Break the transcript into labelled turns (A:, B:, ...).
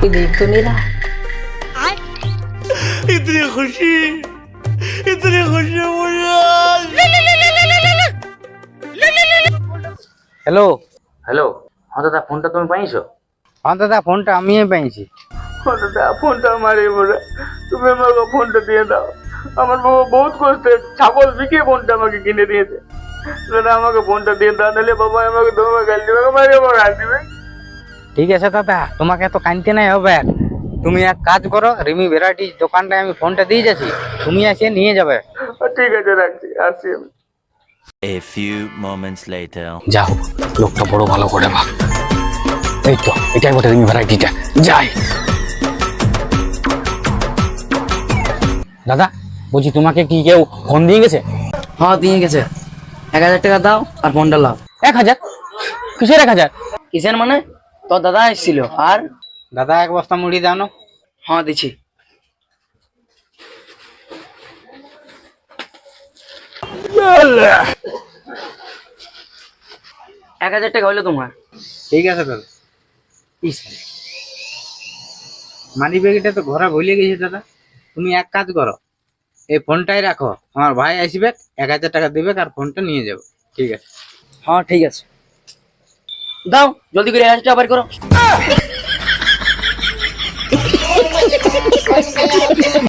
A: कोई देख तो नहीं रहा।
B: इतनी खुशी मुझे आज।
C: হ্যালো
D: হ্যালো, হ্যাঁ দাদা, ফোনটা তুমি পাইছো?
C: হ্যাঁ দাদা ফোনটা আমিই পাইছি।
D: হ্যাঁ দাদা, ফোনটা আমারই বলে, তুমি আমাকে ফোনটা দিয়ে দাও। আমার বাবা বহুত কষ্টে ছাগল বিকে ফোনটা আমাকে কিনে দিয়েছে। দাদা আমাকে ফোনটা দিয়ে দাও, নাহলে বাবা আমাকে তোমাকে গাল দিবে, আমাকে আবার গাল দিবে।
C: ঠিক আছে দাদা, তোমাকে তো কানতে নাই হবে। তুমি এক কাজ করো, রিমি ভ্যারাইটি দোকানটায় আমি ফোনটা দিয়ে যাচ্ছি, তুমি এসে নিয়ে যাবে।
D: ঠিক আছে, রাখছি, আসছি আমি।
B: A few moments later.
C: যা হোক, লোকটা বড় ভালো করে ভাব। এই তো এটাই বটে রিমি ভ্যারাইটিটা, যাই। দাদা বলছি, তোমাকে কি কেউ ফোন দিয়ে গেছে?
E: হ্যাঁ দিয়ে গেছে। 1000 টাকা দাও আর ফোনটা লাও।
C: 1000? কিসের 1000?
E: কিসের মানে? তোর দাদা এসেছিল। আর
C: দাদা এক বস্তা মুড়ি দাও না।
E: হ্যাঁ দিচ্ছি। এক 1000 টাকা হইলো তোমার।
C: ঠিক আছে দাদা। মানি ব্যাগটা তো ঘরে ভুলে গেছি দাদা। তুমি এক কাজ করো, এই ফোনটাই রাখো, আমার ভাই আসবে 1000 টাকা দিবে আর ফোনটা নিয়ে যাবে। ঠিক আছে?
E: হ্যাঁ ঠিক আছে, দাও জলদি করে 1000 টাকা বের করো।